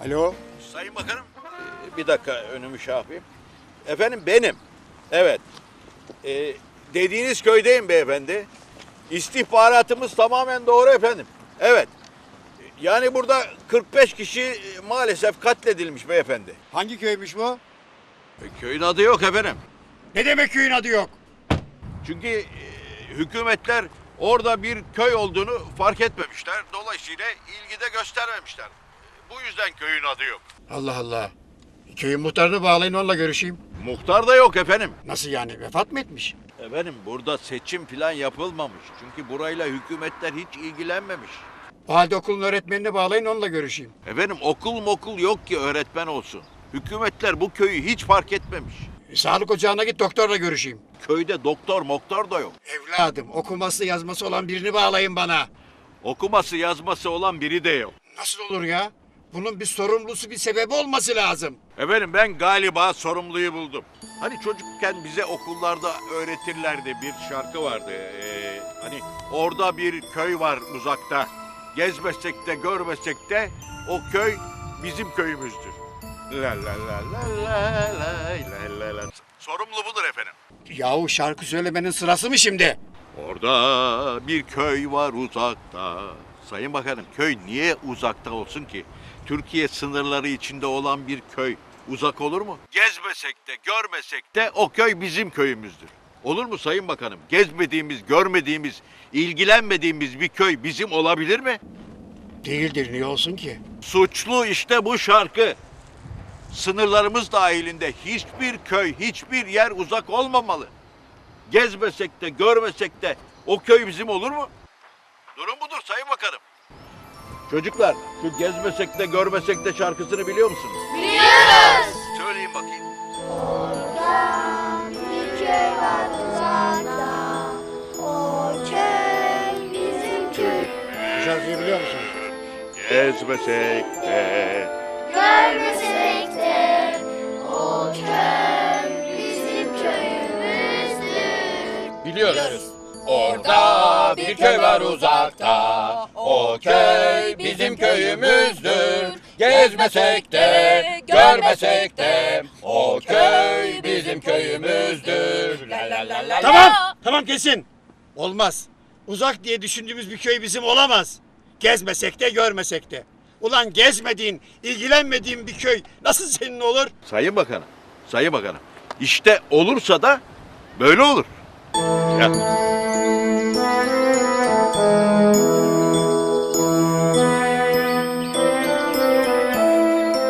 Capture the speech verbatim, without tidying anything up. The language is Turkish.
Alo. Sayın Bakanım, e, bir dakika önümü şey yapayım. Efendim benim. Evet. E, dediğiniz köydeyim beyefendi. İstihbaratımız tamamen doğru efendim. Evet. E, Yani burada kırk beş kişi e, maalesef katledilmiş beyefendi. Hangi köymüş bu? E, köyün adı yok efendim. Ne demek köyün adı yok? Çünkü e, hükümetler orada bir köy olduğunu fark etmemişler. Dolayısıyla ilgi de göstermemişler. E, Bu yüzden köyün adı yok. Allah Allah. Köyün muhtarını bağlayın, onunla görüşeyim. Muhtar da yok efendim. Nasıl yani, vefat mı etmiş? Efendim burada seçim falan yapılmamış. Çünkü burayla hükümetler hiç ilgilenmemiş. O halde okulun öğretmenini bağlayın, onunla görüşeyim. Efendim okul mokul yok ki öğretmen olsun. Hükümetler bu köyü hiç fark etmemiş. E, sağlık ocağına git, doktorla görüşeyim. Köyde doktor moktor da yok. Evladım, okuması yazması olan birini bağlayın bana. Okuması yazması olan biri de yok. Nasıl olur ya? Bunun bir sorumlusu, bir sebebi olması lazım. Efendim ben galiba sorumluyu buldum. Hani çocukken bize okullarda öğretirlerdi, bir şarkı vardı. Ee, hani orada bir köy var uzakta. Gezmesek de görmesek de o köy bizim köyümüzdür. La la la la la la la la. Sorumlu budur efendim. Yahu şarkı söylemenin sırası mı şimdi? Orada bir köy var uzakta. Sayın Bakanım, köy niye uzakta olsun ki? Türkiye sınırları içinde olan bir köy uzak olur mu? Gezmesek de görmesek de o köy bizim köyümüzdür. Olur mu Sayın Bakanım? Gezmediğimiz, görmediğimiz, ilgilenmediğimiz bir köy bizim olabilir mi? Değildir, niye olsun ki? Suçlu işte bu şarkı. Sınırlarımız dahilinde hiçbir köy, hiçbir yer uzak olmamalı. Gezmesek de, görmesek de o köy bizim olur mu? Durum budur Sayın Bakanım. Çocuklar, şu gezmesek de, görmesek de şarkısını biliyor musunuz? Biliyoruz. Söyleyin bakayım. Orada bir köy var uzakta. O köy bizim köy. Bu şarkıyı biliyor musun? Gezmesek de. Görmesek de o köy bizim köyümüzdür. Biliyoruz. Orada bir köy var uzakta. O köy bizim köyümüzdür. Gezmesek de, görmesek de o köy bizim köyümüzdür. La la la la. Tamam, tamam kesin. Olmaz. Uzak diye düşündüğümüz bir köy bizim olamaz. Gezmesek de, görmesek de. Ulan gezmediğin, ilgilenmediğin bir köy nasıl senin olur? Sayın Bakanım, Sayın Bakanım. İşte olursa da böyle olur. Ya.